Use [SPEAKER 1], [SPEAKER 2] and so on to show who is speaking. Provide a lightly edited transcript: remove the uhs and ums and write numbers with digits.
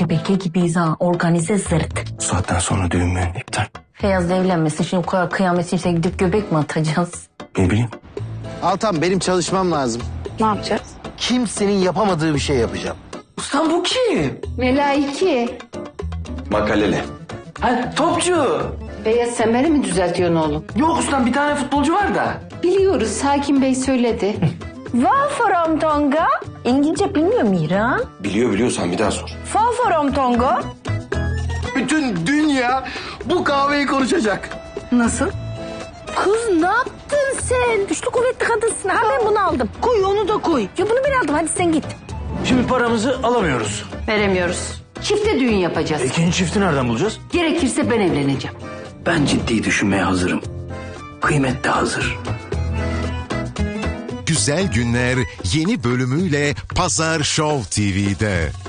[SPEAKER 1] şebeke gibiyiz ha. Organize zırt.
[SPEAKER 2] Bu saatten sonra düğün mü? İptal.
[SPEAKER 1] Feyyaz'la evlenmesin. Şimdi o kadar kıyamet için gidip göbek mi atacağız?
[SPEAKER 2] Ne bileyim.
[SPEAKER 3] Altan benim çalışmam lazım.
[SPEAKER 4] Ne yapacağız?
[SPEAKER 3] Kimsenin yapamadığı bir şey yapacağım.
[SPEAKER 2] Ustam bu kim?
[SPEAKER 4] Melaike.
[SPEAKER 2] Makaleli. Ha, topçu.
[SPEAKER 4] Beyaz Semer'i mi düzeltiyorsun oğlum?
[SPEAKER 2] Yok ustam, bir tane futbolcu var da.
[SPEAKER 4] Biliyoruz, Hakim Bey söyledi.
[SPEAKER 1] Wolfram Tonga. İngilizce bilmiyor Miran.
[SPEAKER 2] Biliyor, sen bir daha sor.
[SPEAKER 1] Wolfram Tonga.
[SPEAKER 3] Bütün dünya bu kahveyi konuşacak.
[SPEAKER 1] Nasıl? Kız ne yaptın sen? Güçlü kuvvetli kadınsın. Ha ben bunu aldım. Koy onu da koy. Ya bunu ben aldım, hadi sen git.
[SPEAKER 5] Şimdi paramızı alamıyoruz.
[SPEAKER 4] Veremiyoruz. Çifte düğün yapacağız.
[SPEAKER 5] İkinci çifti nereden bulacağız?
[SPEAKER 4] Gerekirse ben evleneceğim.
[SPEAKER 5] Ben ciddi düşünmeye hazırım. Kıymet de hazır.
[SPEAKER 6] Güzel Günler yeni bölümüyle Pazar Show TV'de.